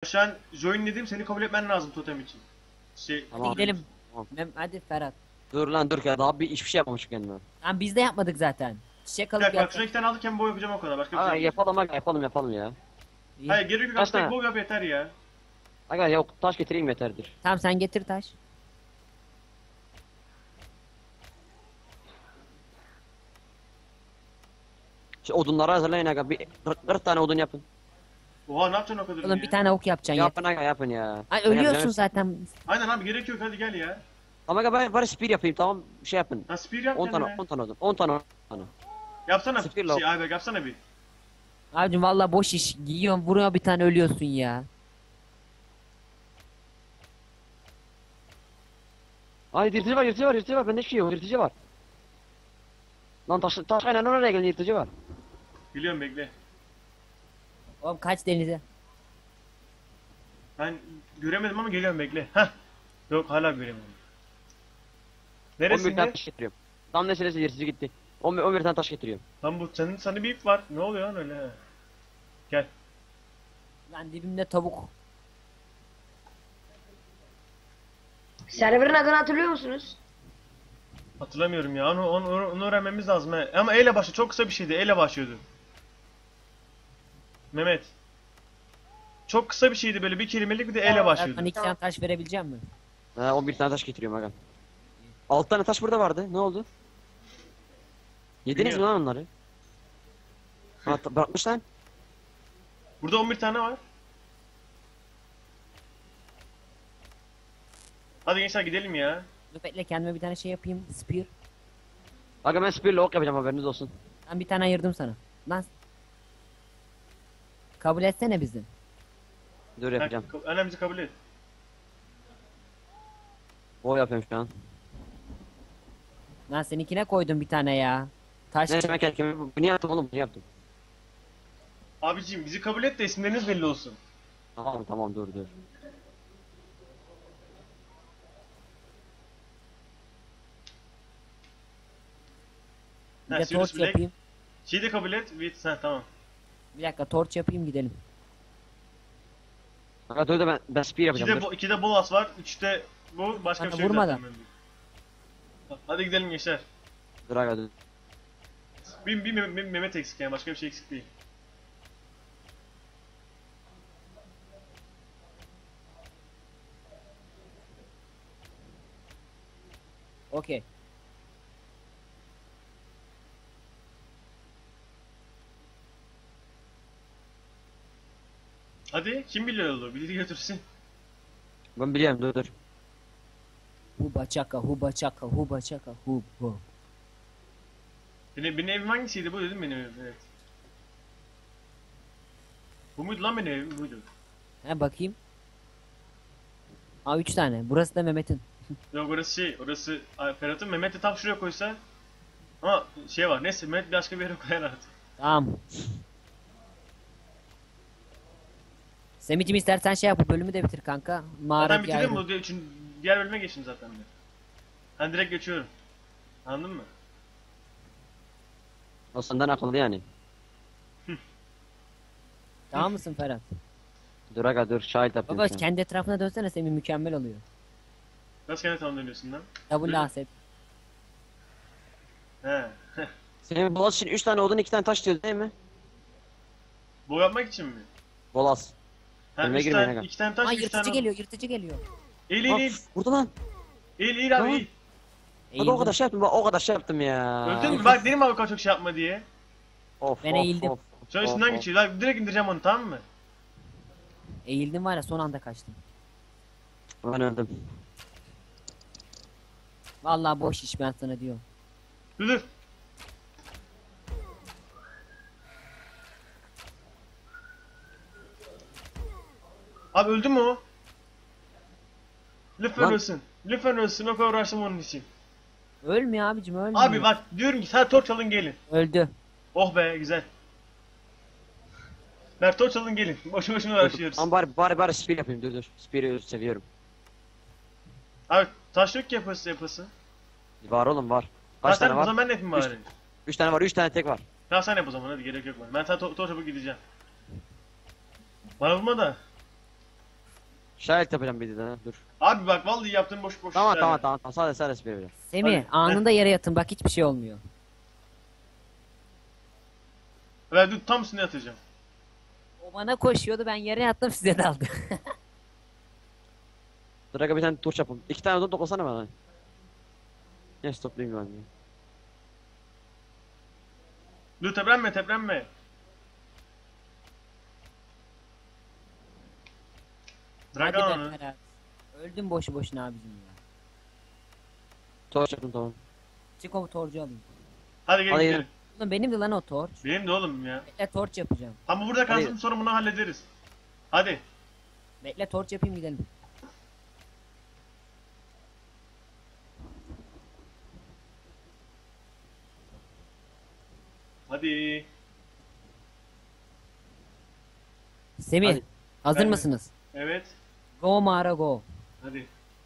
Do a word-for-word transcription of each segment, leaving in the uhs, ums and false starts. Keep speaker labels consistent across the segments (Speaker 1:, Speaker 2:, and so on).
Speaker 1: şu an join dedim, seni kabul etmen lazım totem için. Şey,
Speaker 2: Tamam.
Speaker 3: Hadi gidelim.
Speaker 2: Tamam.
Speaker 3: Mem hadi Ferhat.
Speaker 2: Dur lan dur ya daha bir hiçbir şey yapmamış kendime.
Speaker 3: Lan biz de yapmadık zaten. Çiçek
Speaker 1: bir
Speaker 3: alıp
Speaker 1: dakika bak,
Speaker 3: yaptık.
Speaker 1: şuna iki tane aldık, hem boy yapacağım o kadar. Başka bir şey
Speaker 2: Aga
Speaker 1: yok.
Speaker 2: yapalım aga yapalım yapalım ya.
Speaker 3: İyi.
Speaker 1: Hayır gerek yok,
Speaker 2: Kaç
Speaker 1: az tek
Speaker 2: tane?
Speaker 1: boy yap yeter ya.
Speaker 2: Aga yok taş getireyim yeterdir.
Speaker 3: Tamam sen getir taş.
Speaker 2: Şu odunları hazırlayın aga bir kırk tane odun yapın.
Speaker 1: Oha ne yapacaksın o kadar
Speaker 3: Oğlum
Speaker 1: ya?
Speaker 3: bir tane ok yapacaksın ya.
Speaker 2: Yapın aga yapın ya.
Speaker 3: Ay
Speaker 2: Ben
Speaker 3: ölüyorsun
Speaker 2: yapacağım.
Speaker 3: zaten.
Speaker 1: Aynen abi, gerek yok, hadi gel ya.
Speaker 2: Tamam aga ben bari spear yapayım tamam şey yapın.
Speaker 1: Ha spear yap
Speaker 2: on
Speaker 1: kendine.
Speaker 2: tane on tane odun on tane on tane.
Speaker 1: Yapsana
Speaker 2: Spear
Speaker 1: şey
Speaker 2: lock.
Speaker 1: Ayberk, yapsana bir.
Speaker 3: Abicim valla boş iş. Giyiyorsun vuruyor bir tane ölüyorsun ya.
Speaker 2: Ay yırtıcı var yırtıcı var yırtıcı var bende hiçbir şey yok yırtıcı var. Lan taş taş aynen oraya gelin yırtıcı var.
Speaker 1: Biliyorum, bekle.
Speaker 3: Oğlum kaç denize.
Speaker 1: Ben göremedim ama geliyorum, bekle. Hah. Yok, hala göremedim.
Speaker 2: on bir tane
Speaker 1: Neresinde?
Speaker 2: taş getiriyorum. Tam nesilesi yırtıcı gitti. on bir, on bir tane taş getiriyorum.
Speaker 1: Lan bu senin, sana bir ip var. Ne oluyor lan öyle? ha? Gel.
Speaker 3: Lan dibimde tavuk.
Speaker 4: Server'ın adını hatırlıyor musunuz?
Speaker 1: Hatırlamıyorum ya. Onu, onu, onu öğrenmemiz lazım he. Ama E ile başlıyor. Çok kısa bir şeydi. E ile başlıyordu. Mehmet. Çok kısa bir şeydi, böyle bir kelimelik, bir de E ile
Speaker 3: Sen
Speaker 1: başlıyordu.
Speaker 3: bana iki tane taş verebilecek misin?
Speaker 2: Ha on bir tane taş getiriyorum aga. altı tane taş burada vardı. Ne oldu? Yediniz mi
Speaker 1: Bilmiyorum.
Speaker 2: lan onları? Ha ta- bırakmış lan.
Speaker 1: Burada on bir tane var. Hadi gençler gidelim ya.
Speaker 3: Dur bekle kendime bir tane şey yapayım. Spear.
Speaker 2: Aga ben spear'la ok yapacağım haberiniz olsun.
Speaker 3: Ben bir tane ayırdım sana. Lan. Kabul etsene bizi.
Speaker 2: Dur yapacağım.
Speaker 1: Önemli kabul et.
Speaker 2: O yapıyorum şu an.
Speaker 3: Lan seninkine koydum bir tane ya. Taş.
Speaker 2: Neyse ben kendime bunu yaptım oğlum bunu yaptım.
Speaker 1: Abiciğim bizi kabul et de isimleriniz belli olsun.
Speaker 2: Tamam tamam dur dur.
Speaker 3: Bir
Speaker 1: Ha,
Speaker 3: de
Speaker 1: Sirius
Speaker 3: torç
Speaker 1: Black.
Speaker 3: yapayım.
Speaker 1: Şeyi de kabul et. With, ha, tamam.
Speaker 3: Bir dakika torç yapayım gidelim.
Speaker 2: Aga dur da ben, ben spear yapacağım
Speaker 1: İkide,
Speaker 2: dur.
Speaker 1: bo ikide bolas var. Üçte bu. Başka
Speaker 3: Bana
Speaker 1: bir şey yok
Speaker 3: vurmadan.
Speaker 1: zaten. Hadi gidelim gençler.
Speaker 2: Dur aga dur.
Speaker 1: Bir, bir, bir, bir Mehmet eksik yani. Başka bir şey eksik değil.
Speaker 3: Okey.
Speaker 1: Hadi kim biliyor yolu? Biri götürsün.
Speaker 2: Ben biliyorum dur dur.
Speaker 3: Huba çaka huba çaka huba çaka hub hub.
Speaker 1: Benim, benim evim hangisiydi? Bu dedim benim evim. Evet. Bu muydu lan benim evim? Buydu.
Speaker 3: He bakayım. Aa üç tane. Burası da Mehmet'in.
Speaker 1: Yok orası şey. Orası Ay, Ferhat'ın. Mehmet de tam şuraya koysa. Ama şey var. Neyse Mehmet başka bir yere koyar artık.
Speaker 3: Tamam. Semih'cim istersen şey yap bu bölümü de bitir kanka. Mağara
Speaker 1: Zaten bitirdim
Speaker 3: hikayesi.
Speaker 1: bu. diye- Çünkü diğer bölüme geçtim zaten ben. Ben direkt geçiyorum. Anladın mı?
Speaker 2: O senden akıllı yani.
Speaker 3: Tamam mısın Ferhat?
Speaker 2: Dur aga dur şahit yapıyorum
Speaker 3: Baba
Speaker 2: şu an.
Speaker 3: kendi etrafına dönsene Semih mükemmel oluyor.
Speaker 1: Nasıl kendi tam dönüyorsun lan?
Speaker 3: Double asep.
Speaker 1: He.
Speaker 2: Senin bolas için üç tane odun iki tane taş diyor değil mi?
Speaker 1: Bu yapmak için mi?
Speaker 2: Bolas.
Speaker 1: Ha,
Speaker 2: Önüme
Speaker 1: üç
Speaker 2: girmeyin
Speaker 1: tane,
Speaker 2: aga.
Speaker 1: iki tane taş,
Speaker 3: Aa
Speaker 1: üç
Speaker 3: yırtıcı
Speaker 1: tane...
Speaker 3: geliyor yırtıcı geliyor.
Speaker 1: Eğil eğil
Speaker 2: Bak
Speaker 1: eğil.
Speaker 2: vurdu lan.
Speaker 1: Eğil eğil abi
Speaker 2: Tamam.
Speaker 1: eğil.
Speaker 2: Bak o kadar şey yaptım bak o kadar şey yaptım ya.
Speaker 1: Öldün mü? Bak dedim abi o kadar çok şey yapma diye.
Speaker 2: Of
Speaker 3: Ben
Speaker 2: of,
Speaker 3: eğildim.
Speaker 2: of,
Speaker 1: Şu an
Speaker 2: of,
Speaker 1: üstünden
Speaker 2: of.
Speaker 1: geçiyor. Lan direkt indireceğim onu, tamam mı?
Speaker 3: Eğildim var ya son anda kaçtım.
Speaker 2: Ben öldüm.
Speaker 3: Vallahi boş iş ben sana diyorum.
Speaker 1: Dur dur. Abi öldü mü o? Lütfen
Speaker 2: Lan.
Speaker 1: ölsün. Lütfen ölsün. O kadar uğraştım onun için.
Speaker 3: Ölmüyor abicim ölmüyor.
Speaker 1: Abi bak diyorum ki sen torç alın gelin.
Speaker 3: Öldü.
Speaker 1: Oh be güzel. Ver torç alın gelin. Boşu boşuna uğraşıyoruz.
Speaker 2: Ama bari bari bari spear yapayım dur dur. Spear'ı seviyorum.
Speaker 1: Abi taş yok ki yapası yapası.
Speaker 2: Var oğlum var.
Speaker 1: Ha
Speaker 2: Kaç
Speaker 1: sen
Speaker 2: tane
Speaker 1: o
Speaker 2: var?
Speaker 1: zaman ben de yapayım
Speaker 2: Üç.
Speaker 1: bari.
Speaker 2: Üç tane var üç tane tek var.
Speaker 1: Ya sen yap o zaman hadi, gerek yok bana. Ben sana to torç yapıp gideceğim. Bana vurma da.
Speaker 2: Şahit yapacağım bir de ha, dur.
Speaker 1: Abi bak vallahi yaptığın boş boş
Speaker 2: Tamam
Speaker 1: işler
Speaker 2: tamam
Speaker 1: ya.
Speaker 2: tamam tamam sadece sadece bir veriyorum.
Speaker 3: Semih
Speaker 1: Hadi.
Speaker 3: anında yere yatın bak hiçbir şey olmuyor.
Speaker 1: Ver dur tam üstüne yatacağım.
Speaker 3: O bana koşuyordu ben yere yattım size daldı.
Speaker 2: Dur aga bir tane torç yapalım. İki tane odun toplasana bana. Neyse toplayayım ben de.
Speaker 1: Dur teprenme teprenme. Bırak
Speaker 3: Hadi
Speaker 1: onu.
Speaker 3: be Ferhat. Öldüm boşu boşuna abicim ya.
Speaker 2: Torç yaptım tamam.
Speaker 3: Çık o torcu alayım.
Speaker 1: Hadi gel
Speaker 2: Hadi
Speaker 1: gidelim.
Speaker 3: Oğlum benim de lan o torç.
Speaker 1: Benim de oğlum ya.
Speaker 3: Bekle torç yapacağım.
Speaker 1: Ama burada kalsın
Speaker 2: Hadi.
Speaker 1: sonra bunu hallederiz. Hadi.
Speaker 3: Bekle torç yapayım gidelim.
Speaker 1: Hadi.
Speaker 3: Semih
Speaker 2: Hadi.
Speaker 3: hazır
Speaker 1: Ben de.
Speaker 3: mısınız?
Speaker 1: Evet.
Speaker 3: Go mağara go.
Speaker 1: Hadi.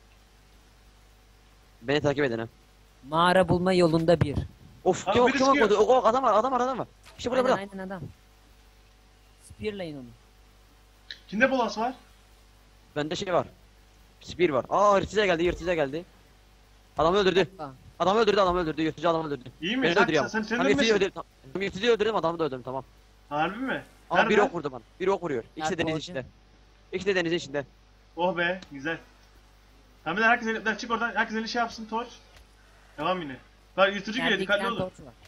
Speaker 2: Beni takip edin ha.
Speaker 3: Mağara bulma yolunda bir.
Speaker 2: Of
Speaker 1: Abi
Speaker 2: kim
Speaker 1: biri
Speaker 2: kim
Speaker 1: sıkıyor.
Speaker 2: okudu? O adam var adam var adam var. İşte burada
Speaker 3: Aynen
Speaker 2: burada.
Speaker 3: aynen adam. Spearlayın onu.
Speaker 1: Kimde bolas var?
Speaker 2: Bende şey var. Spear var. Aa yırtıcı geldi yırtıcı geldi. Adamı öldürdü.
Speaker 3: Aa,
Speaker 2: Adamı öldürdü adamı öldürdü. Yırtıcı adamı öldürdü.
Speaker 1: İyi mi?
Speaker 2: Beni de
Speaker 1: Sen,
Speaker 2: öldürüyor
Speaker 1: sen,
Speaker 2: ama.
Speaker 1: sen, sen
Speaker 2: Hem yırtıcıyı
Speaker 1: ölmesin.
Speaker 2: öldürdüm. Hem yırtıcıyı öldürdüm adamı da öldürdüm tamam.
Speaker 1: Harbi mi?
Speaker 2: Ama
Speaker 1: Nerede?
Speaker 2: bir ok vurdu bana. Bir ok vuruyor. İkisi de
Speaker 3: Nerede
Speaker 2: denizin
Speaker 3: olacak?
Speaker 2: içinde. İkisi de denizin içinde.
Speaker 1: Oh be güzel. Tamam bir de herkes elinden çık oradan herkes eli şey yapsın torç. Devam yine. Bak yırtıcı
Speaker 3: yerde
Speaker 1: geliyor
Speaker 3: iki
Speaker 1: dikkatli
Speaker 3: tane
Speaker 1: olun.
Speaker 3: torç var.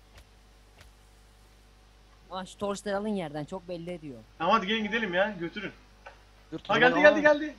Speaker 3: Aa şu torçları alın yerden çok belli ediyor.
Speaker 1: Tamam hadi gelin gidelim ya götürün.
Speaker 2: Dur,
Speaker 1: Ha
Speaker 2: dur,
Speaker 1: geldi
Speaker 2: aa.
Speaker 1: geldi geldi.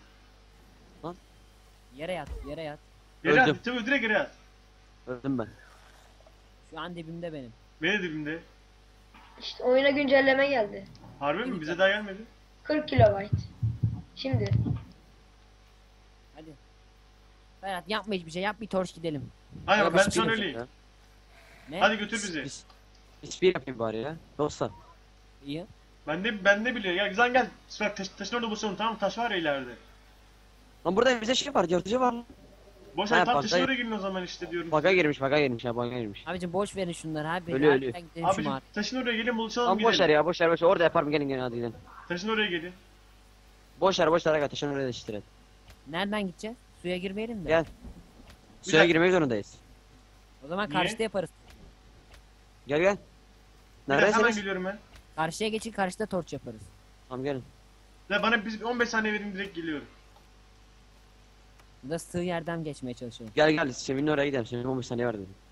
Speaker 3: Yere yat yere yat.
Speaker 1: Geri
Speaker 2: Öldüm.
Speaker 1: at. Tabii direkt geri at.
Speaker 2: Öldüm ben.
Speaker 3: Şu an dibimde benim.
Speaker 1: Benim dibimde.
Speaker 4: İşte oyuna güncelleme geldi.
Speaker 1: Harbi mi? Bize daha gelmedi.
Speaker 4: kırk kilobayt. Şimdi.
Speaker 3: Hadi. Ferhat yapma hiçbir şey yap bir torç gidelim.
Speaker 1: Aynen
Speaker 2: Aga,
Speaker 1: ben
Speaker 2: spear
Speaker 1: son
Speaker 2: yapayım
Speaker 1: öleyim.
Speaker 2: ya.
Speaker 3: Ne?
Speaker 1: Hadi götür bizi.
Speaker 2: Biz- bir Spear yapayım bari ya. Yoksa.
Speaker 3: İyi.
Speaker 1: Ben de ben de biliyor. Gel güzel gel. Bak taş, taşın orada buluşalım tamam mı? Taş var ya ileride.
Speaker 2: Lan burada bize şey var yırtıcı var lan.
Speaker 1: Boş
Speaker 2: Ha,
Speaker 1: ver tam
Speaker 2: bak,
Speaker 1: taşın
Speaker 2: dayı.
Speaker 1: oraya gelin o zaman işte diyorum.
Speaker 2: Baga girmiş baga girmiş ya baga girmiş.
Speaker 3: Abicim boş verin şunları abi.
Speaker 2: Ölüyor,
Speaker 3: Harbiden
Speaker 2: ölüyor.
Speaker 3: gidelim şu
Speaker 1: Abi
Speaker 3: mağara.
Speaker 1: taşın oraya gelin buluşalım
Speaker 2: Lan boş ver
Speaker 1: gidelim.
Speaker 2: ya boş ver boş ver orada yaparım gelin gelin hadi gidelim.
Speaker 1: Taşın oraya gelin.
Speaker 2: Boş ver boş ver aga taşın oraya da iştirelim.
Speaker 3: Nereden gideceğiz? Suya girmeyelim mi?
Speaker 2: Gel. Suya
Speaker 1: dakika.
Speaker 2: girmek zorundayız.
Speaker 3: O zaman
Speaker 1: Niye?
Speaker 3: karşıda yaparız.
Speaker 2: Gel gel.
Speaker 1: Bir dakika, hemen
Speaker 2: Neredesiniz?
Speaker 1: geliyorum ben.
Speaker 3: Karşıya geçin karşıda torç yaparız.
Speaker 2: Tamam gelin.
Speaker 1: Ya bana biz on beş saniye verin direkt geliyorum.
Speaker 3: Burada sığ yerden geçmeye çalışıyorum.
Speaker 2: Gel gel Semih'in oraya gidelim. Semih'in on beş saniye var dedim.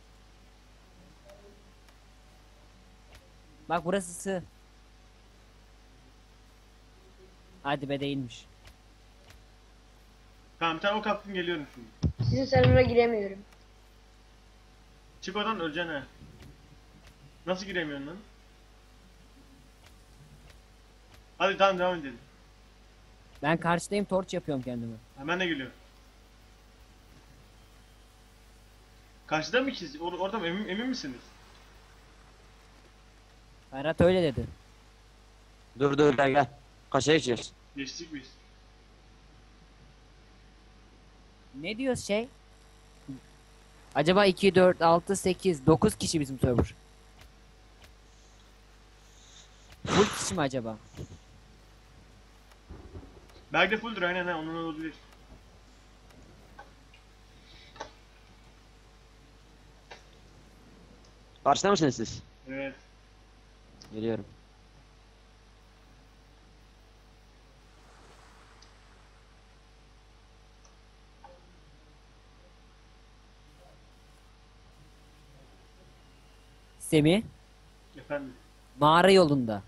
Speaker 3: Bak burası sığ. Hadi be değilmiş.
Speaker 1: Tamam bir tane ok attım geliyorum şimdi.
Speaker 4: Sizin server'a giremiyorum.
Speaker 1: Çık oradan öleceksin ha. Nasıl giremiyorsun lan? Hadi tamam devam edelim.
Speaker 3: Ben karşıdayım torç yapıyorum kendime.
Speaker 1: Hemen de geliyorum. Karşıda mı ikiz? Or orada mı? Emin, emin misiniz?
Speaker 3: Ferhat öyle dedi.
Speaker 2: Dur dur gel gel. Kaçaya geçeceğiz?
Speaker 1: Geçtik biz.
Speaker 3: Ne diyor şey? Acaba iki, dört, altı, sekiz, dokuz kişi bizim server. Full kişi mi acaba?
Speaker 1: Belki de fulldur aynen ha onun olabilir.
Speaker 2: Karşıda mısınız siz?
Speaker 1: Evet.
Speaker 2: Geliyorum.
Speaker 3: Semih
Speaker 1: Efendim.
Speaker 3: mağara yolunda.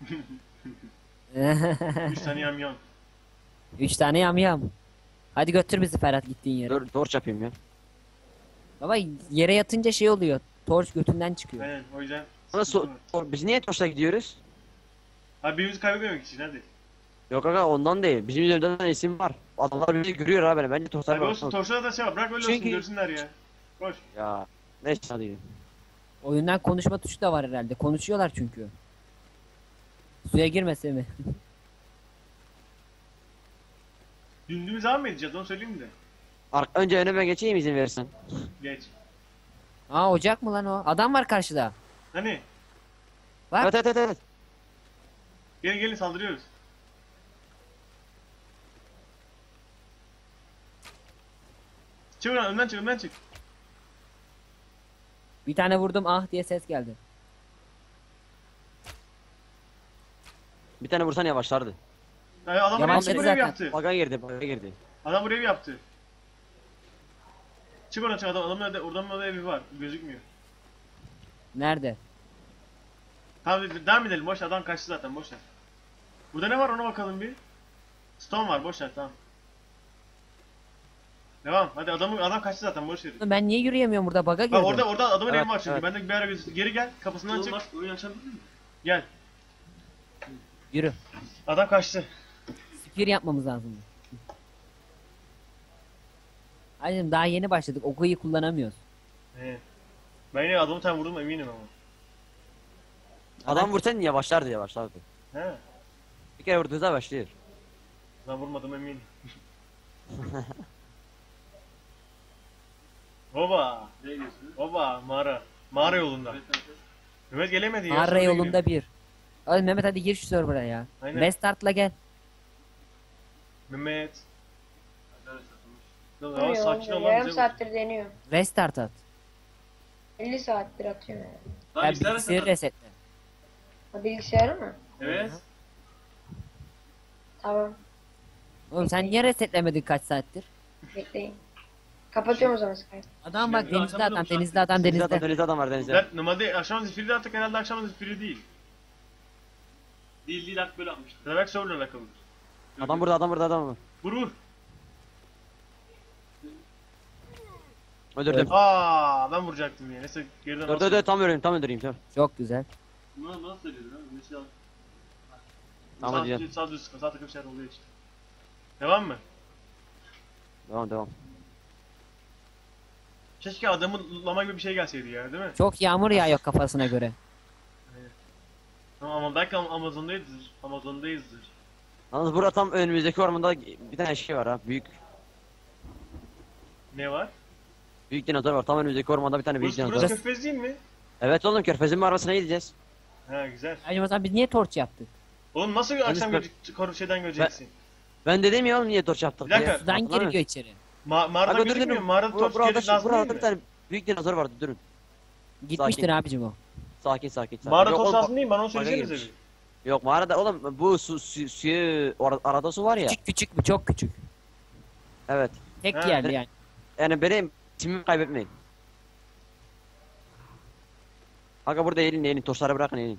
Speaker 1: Üç tane yamyam.
Speaker 3: Üç tane yamyam. Hadi götür bizi Ferhat gittiğin yere.
Speaker 2: Dur torç yapayım ya.
Speaker 3: Baba yere yatınca şey oluyor. Torç götünden çıkıyor.
Speaker 1: Aynen o yüzden.
Speaker 2: Ama
Speaker 1: sıkıntı
Speaker 2: so
Speaker 1: var.
Speaker 2: tor- biz niye torçla gidiyoruz?
Speaker 1: Abi birbirimizi kaybetmemek için hadi.
Speaker 2: Yok aga ondan değil. Bizim üzerimizden isim var. Adamlar bizi görüyor abi. Bence torçlar
Speaker 1: Abi
Speaker 2: var.
Speaker 1: olsun torşada da şey var bırak öyle olsun
Speaker 2: Çünkü-
Speaker 1: görsünler ya. Boş.
Speaker 2: Ya. Neyse hadi gidelim.
Speaker 3: Oyundan konuşma tuşu da var herhalde. Konuşuyorlar çünkü. Suya girme Semih.
Speaker 1: Dümdüğümüz devam mı edeceğiz onu söyleyeyim de.
Speaker 2: Ar önce önüme geçeyim izin verirsen.
Speaker 1: Geç.
Speaker 3: Aa ocak mı lan o? Adam var karşıda.
Speaker 1: Hani?
Speaker 3: Bak.
Speaker 2: Evet evet evet. evet.
Speaker 1: Gelin gelin saldırıyoruz. Çık oradan, önden çık, önden çık.
Speaker 3: Bir tane vurdum ah diye ses geldi.
Speaker 2: Bir tane vursan yavaşlardı.
Speaker 1: Yani adam buraya,
Speaker 3: Yavaşladı
Speaker 1: buraya
Speaker 3: zaten.
Speaker 1: yaptı.
Speaker 2: Baga girdi, baga girdi.
Speaker 1: Adam buraya yaptı. Çık oradan çık, adam, adamın öde, oradan orada evi var, gözükmüyor.
Speaker 3: Nerede?
Speaker 1: Tamam devam edelim, boş ver, adam kaçtı zaten, boş ver. Burada ne var ona bakalım bir. Stone var, boş ver, tamam. Devam, hadi adamı, adam kaçtı zaten, boş ver.
Speaker 3: Ben niye yürüyemiyorum burada baga girdim.
Speaker 1: Bak orada orada adamın
Speaker 2: Evet,
Speaker 1: evi var çünkü,
Speaker 2: evet.
Speaker 1: ben de bir ara gözüktü. Geri gel, kapısından çık.
Speaker 5: Oyun açabilir miyim?
Speaker 1: Gel,
Speaker 3: Yürü.
Speaker 1: adam kaçtı.
Speaker 3: Spir yapmamız lazım. Hacım daha yeni başladık. Okuyu kullanamıyoruz.
Speaker 1: He. Ben yine adamı tam vurdum eminim ama.
Speaker 2: Adam vursan yavaşlardı, yavaşlardı.
Speaker 1: He.
Speaker 2: Bir kere vurduğunuzda başlıyor.
Speaker 1: Ben vurmadım eminim. Baba,
Speaker 5: Nereye gidiyorsunuz?
Speaker 1: baba, mağara. Mağara yolunda.
Speaker 5: Evet, evet.
Speaker 1: Mehmet gelemedi ya.
Speaker 3: Mağara
Speaker 1: sonra
Speaker 3: yolunda
Speaker 1: geliyor.
Speaker 3: bir. Hadi Mehmet hadi gir şu server'a ya.
Speaker 1: Aynen.
Speaker 3: Restart'la gel.
Speaker 1: Mehmet.
Speaker 5: Arkadaşlar, sonuç.
Speaker 1: Lan
Speaker 4: Vuruyor,
Speaker 1: ya, sakin ol
Speaker 4: vuruyor.
Speaker 1: lan
Speaker 4: Yarım
Speaker 1: bize.
Speaker 4: saattir deniyor.
Speaker 3: Restart at.
Speaker 4: elli saattir atıyorum yani.
Speaker 5: Lan
Speaker 3: Ya
Speaker 5: bilgisayar
Speaker 3: bilgisayarı
Speaker 5: reset.
Speaker 3: resetle.
Speaker 4: Ha, bilgisayarı mı?
Speaker 5: Evet.
Speaker 4: Tamam.
Speaker 3: Oğlum sen niye resetlemedin kaç saattir?
Speaker 4: Bekleyin. Kapatıyorum o zaman Skype.
Speaker 3: Adam bak
Speaker 5: Şimdi
Speaker 3: denizli
Speaker 5: akşam
Speaker 3: adam
Speaker 5: da
Speaker 3: denizli adam
Speaker 2: Denizde adam,
Speaker 3: denizde.
Speaker 2: denizde adam var denizde.
Speaker 1: Ben normalde akşam zifiri attık, herhalde akşam zifiri değil.
Speaker 5: Değil değil hak böyle atmıştım.
Speaker 1: Demek sorunla alakalı.
Speaker 2: Adam burada, adam burada, adam var.
Speaker 1: Vur vur.
Speaker 2: Öldürdüm.
Speaker 1: Aa, ben vuracaktım ya. Neyse geriden
Speaker 2: Dur dur dur, tam öldüreyim, tam öldüreyim. Tamam.
Speaker 3: Çok güzel.
Speaker 5: Buna nasıl söylüyorsun lan? Mesela
Speaker 2: Tamam, hadi
Speaker 1: Sağ,
Speaker 2: gel.
Speaker 1: sağ düz, sağ takım şeyler oluyor işte. Devam mı?
Speaker 2: Devam, devam.
Speaker 1: Keşke adamın lama gibi bir şey gelseydi ya, değil mi?
Speaker 3: Çok yağmur yağıyor kafasına göre.
Speaker 1: Ama, ama belki Am- Amazon'dayızdır. Amazon'dayızdır.
Speaker 2: Yalnız burada tam önümüzdeki ormanda bir tane şey var ha. Büyük
Speaker 1: Ne var?
Speaker 2: büyük dinozor var. Tam önümüzdeki ormanda bir tane büyük
Speaker 1: Burası,
Speaker 2: dinozor.
Speaker 1: burası
Speaker 2: var.
Speaker 1: Körfez değil mi?
Speaker 2: Evet oğlum, körfezin mağarasına gideceğiz.
Speaker 1: Ha güzel.
Speaker 3: Hacım o zaman biz niye torç yaptık?
Speaker 1: Oğlum nasıl akşam
Speaker 2: ben-
Speaker 1: görecek, koru şeyden göreceksin?
Speaker 2: Ben dedim ya oğlum, niye torç yaptık
Speaker 1: Bir dakika.
Speaker 2: diye.
Speaker 3: Sudan
Speaker 2: Hatırlamıyor
Speaker 3: giriyor
Speaker 2: musun?
Speaker 3: içeri.
Speaker 1: Ma mağaradan
Speaker 2: Aga dur
Speaker 1: gözükmüyor
Speaker 2: dur.
Speaker 1: mu? Mağarada
Speaker 2: Bur-
Speaker 1: torç
Speaker 2: Burada,
Speaker 1: gerisi lazım
Speaker 2: burada
Speaker 1: değil
Speaker 2: bir
Speaker 1: mi?
Speaker 2: tane büyük dinozor vardı, durun.
Speaker 3: Gitmiştir
Speaker 2: Sakin.
Speaker 3: abicim o.
Speaker 2: Sakin sakin sakin.
Speaker 1: Mağara
Speaker 2: Yok
Speaker 1: torç
Speaker 2: oğlum,
Speaker 1: lazım değil mi? Bana onu
Speaker 2: baga
Speaker 1: söylesenize
Speaker 2: girmiş.
Speaker 1: bir.
Speaker 2: Yok mağarada oğlum, bu su, su suyu or- arada su var ya.
Speaker 3: Küçük küçük bu çok küçük.
Speaker 2: Evet.
Speaker 3: Tek
Speaker 1: Ha.
Speaker 3: yerli yani.
Speaker 2: Yani benim timimi kaybetmeyin. Aga burada eğilin, eğilin, torçları bırakın, eğilin.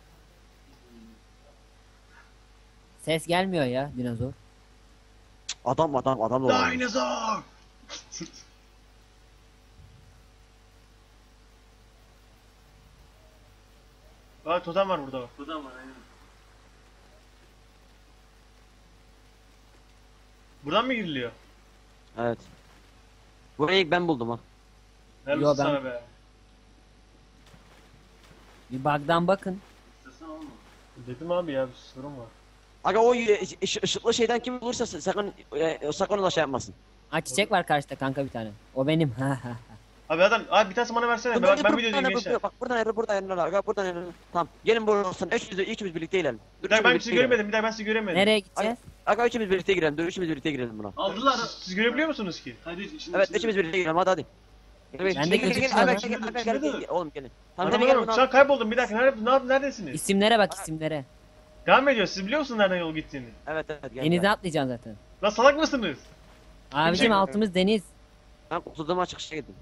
Speaker 3: Ses gelmiyor ya dinozor.
Speaker 2: Adam adam adam da var.
Speaker 1: Dinozor! Bak totem var burada bak.
Speaker 5: buradan var aynen.
Speaker 1: Buradan mı giriliyor?
Speaker 2: Evet. Burayı ilk ben buldum ha.
Speaker 1: Helal
Speaker 3: Yo,
Speaker 1: olsun
Speaker 3: ben-
Speaker 1: sana be.
Speaker 3: Bir bug'dan bakın.
Speaker 5: İstersen olma.
Speaker 1: Dedim abi ya bir sorun var.
Speaker 2: Aga o y- ış- ışıklı şeyden kim bulursa sa- sakın e, sakın ona şey yapmasın.
Speaker 3: Ha çiçek var karşıda kanka bir tane. O benim.
Speaker 1: Abi adam, abi bir tanesi bana versene.
Speaker 2: Dur,
Speaker 1: Ben,
Speaker 2: dur,
Speaker 1: ben
Speaker 2: dur,
Speaker 1: videodayım
Speaker 2: buradan
Speaker 1: gençler.
Speaker 2: ayrıl, bak buradan ayrıl, buradan ayrıl, aga buradan ayrıl. Tamam. Gelin buradan. Üçümüz üçümüz birlikte girelim. Dur,
Speaker 1: Bir dakika ben
Speaker 2: üçümüz
Speaker 1: sizi
Speaker 2: birlikte girelim.
Speaker 1: göremedim. Bir dakika ben sizi göremedim.
Speaker 3: Nereye gideceğiz?
Speaker 2: Aga üçümüz birlikte girelim. Dur üçümüz birlikte girelim buna.
Speaker 5: Aldılar.
Speaker 1: Siz, siz görebiliyor musunuz ki?
Speaker 5: Hadi şimdi.
Speaker 2: Evet
Speaker 5: şimdi-
Speaker 2: üçümüz birlikte girelim, hadi hadi. Gel, gel,
Speaker 3: Ben de
Speaker 2: gel, gel, gel,
Speaker 3: gözükmüyor
Speaker 2: aga,
Speaker 3: lan.
Speaker 2: gel, gel, gel, gel, gel, oğlum gelin. Tamam
Speaker 1: Adam
Speaker 2: gel, gel,
Speaker 1: adam,
Speaker 2: bunu
Speaker 1: şu
Speaker 2: al.
Speaker 1: an kayboldum. Bir dakika nerede, ne yap- neredesiniz?
Speaker 3: İsimlere bak isimlere.
Speaker 1: Devam ediyor. Siz biliyor musunuz nereden yol gittiğini?
Speaker 2: Evet evet gel.
Speaker 3: Denize
Speaker 2: gel.
Speaker 3: atlayacaksın zaten.
Speaker 1: Lan salak mısınız?
Speaker 3: Abicim
Speaker 1: Kim-
Speaker 3: altımız deniz.
Speaker 2: Ben kurtulduğum açık şeye gittim.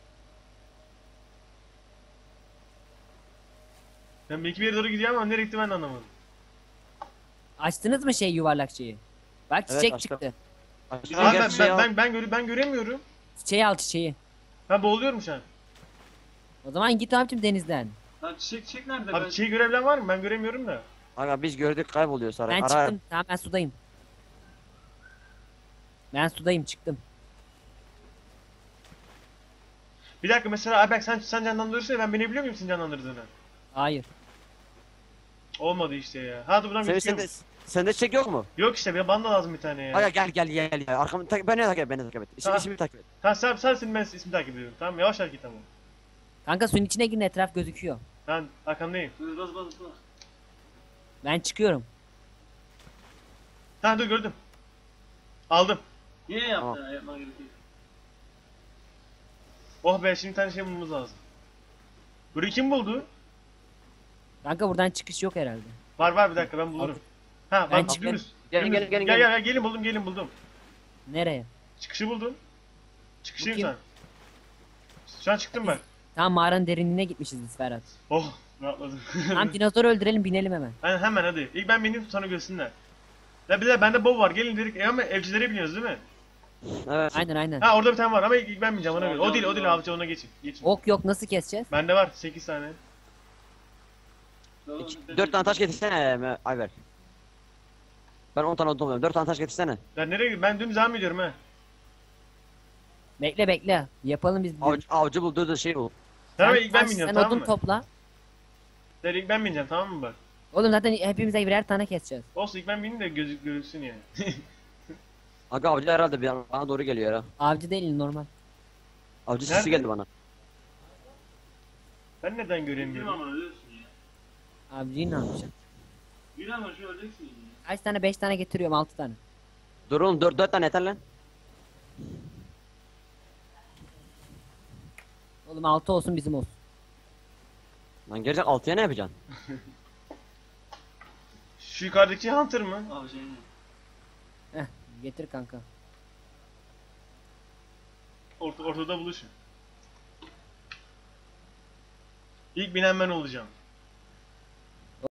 Speaker 1: Ben belki bir yere doğru gidiyorum ama nereye gitti ben de anlamadım.
Speaker 3: Açtınız mı şey yuvarlak şeyi? Bak
Speaker 2: Evet,
Speaker 3: çiçek
Speaker 2: açtım.
Speaker 3: çıktı.
Speaker 2: Açtım,
Speaker 1: Abi
Speaker 2: gel,
Speaker 1: ben,
Speaker 2: şey
Speaker 1: ben,
Speaker 2: al.
Speaker 1: ben, ben, göre, ben göremiyorum.
Speaker 3: Çiçeği al çiçeği.
Speaker 1: Ben boğuluyorum şu an.
Speaker 3: O zaman git abicim denizden.
Speaker 5: Lan çiçek çiçek nerede?
Speaker 1: Abi
Speaker 5: ben...
Speaker 1: çiğ görebilen var mı? Ben göremiyorum da.
Speaker 2: Aga biz gördük, kayboluyor sonra.
Speaker 3: Ben
Speaker 2: Ara-
Speaker 3: çıktım. Tamam ben sudayım. Ben sudayım çıktım.
Speaker 1: Bir dakika mesela abi bak sen, sen canlandırırsan ya ben binebiliyor muyum senin canlandırdığını?
Speaker 3: Hayır.
Speaker 1: Olmadı işte ya. Ha dur buradan
Speaker 2: Senin
Speaker 1: gözüküyor
Speaker 2: sende,
Speaker 1: mu?
Speaker 2: sende çiçek yok mu?
Speaker 1: Yok işte bir bana da lazım bir tane ya.
Speaker 2: Aga gel gel gel gel. Arkamı tak, beni takip et, beni takip et. İsmi,
Speaker 1: Tamam.
Speaker 2: ismimi takip et.
Speaker 1: Ha sen sensin ben ismi takip ediyorum. Tamam yavaş hareket ama.
Speaker 3: Kanka suyun içine girin etraf gözüküyor.
Speaker 1: Ben arkandayım.
Speaker 5: Dur, Bas bas bas.
Speaker 3: Ben çıkıyorum.
Speaker 1: Ha dur gördüm. Aldım.
Speaker 5: Niye yaptın?
Speaker 2: Tamam.
Speaker 5: Ha, yapman gerekiyor.
Speaker 1: Oh be, şimdi bir tane şey bulmamız lazım. Burayı kim buldu?
Speaker 3: Kanka buradan çıkış yok herhalde.
Speaker 1: Var var, bir dakika ben bulurum. Ha
Speaker 3: Ben
Speaker 1: bak
Speaker 3: çıkarım.
Speaker 1: dümdüz.
Speaker 2: Gelin,
Speaker 1: Dümdüz.
Speaker 2: gelin, gelin,
Speaker 1: Gel
Speaker 2: gelin.
Speaker 1: gel gel, gelin buldum gelin buldum.
Speaker 3: Nereye?
Speaker 1: Çıkışı buldum. Çıkışıyım
Speaker 3: Bu kim?
Speaker 1: sen. Şu an çıktım ben.
Speaker 3: Tamam mağaranın derinliğine gitmişiz biz Ferhat.
Speaker 1: Oh, rahatladım.
Speaker 3: Tamam dinozoru öldürelim binelim hemen.
Speaker 1: Aynen, hemen hadi. İlk ben bineyim, sonra görsünler. Ya bir de bende bow var, gelin dedik. E ama evcilere biniyoruz değil mi?
Speaker 2: Evet.
Speaker 3: Aynen aynen.
Speaker 1: Ha orada bir tane var ama ilk ben bineceğim ona göre. O
Speaker 5: Alacağım,
Speaker 1: değil o değil
Speaker 5: alacağım.
Speaker 1: avcı, ona geçin. Geçin.
Speaker 3: Ok yok nasıl keseceğiz?
Speaker 1: Bende var sekiz tane.
Speaker 2: Dört tane taş getirsene e, Ayber. Ben on tane odun topluyorum. Dört tane taş getirsene.
Speaker 1: Ben nereye gidiyorum? Ben dümdüz devam ediyorum ha.
Speaker 3: Bekle bekle. Yapalım biz.
Speaker 2: Avcı, avcı bul, dur dur şey bul.
Speaker 1: Tamam
Speaker 3: Sen
Speaker 1: ilk ben
Speaker 3: taş,
Speaker 1: biniyorum,
Speaker 3: sen
Speaker 1: tamam
Speaker 3: odun
Speaker 1: mı?
Speaker 3: topla.
Speaker 1: Sen ilk ben bineceğim, tamam mı bak?
Speaker 3: Oğlum zaten hepimize birer tane keseceğiz.
Speaker 1: Olsun, ilk ben bineyim de gözük görülsün yani.
Speaker 2: Aga avcı herhalde bir bana doğru geliyor ya.
Speaker 3: Avcı değil normal.
Speaker 2: Avcı
Speaker 1: Nerede?
Speaker 2: sesi geldi bana.
Speaker 1: Ben neden
Speaker 5: Yürü
Speaker 1: göremiyorum?
Speaker 5: ama ölürsün ya.
Speaker 3: Avcıyı ne yapacaksın?
Speaker 5: Yürü ama şu öleceksin ya.
Speaker 3: Kaç tane? Beş tane getiriyorum altı tane.
Speaker 2: Dur oğlum, dört, dört tane yeter lan.
Speaker 3: Oğlum altı olsun bizim olsun.
Speaker 2: Lan gelecek altıya ne yapacaksın?
Speaker 1: Şu yukarıdaki Hunter mı?
Speaker 5: Abi şey ne?
Speaker 3: Heh getir kanka.
Speaker 1: Orta, ortada buluşun. İlk binen ben olacağım.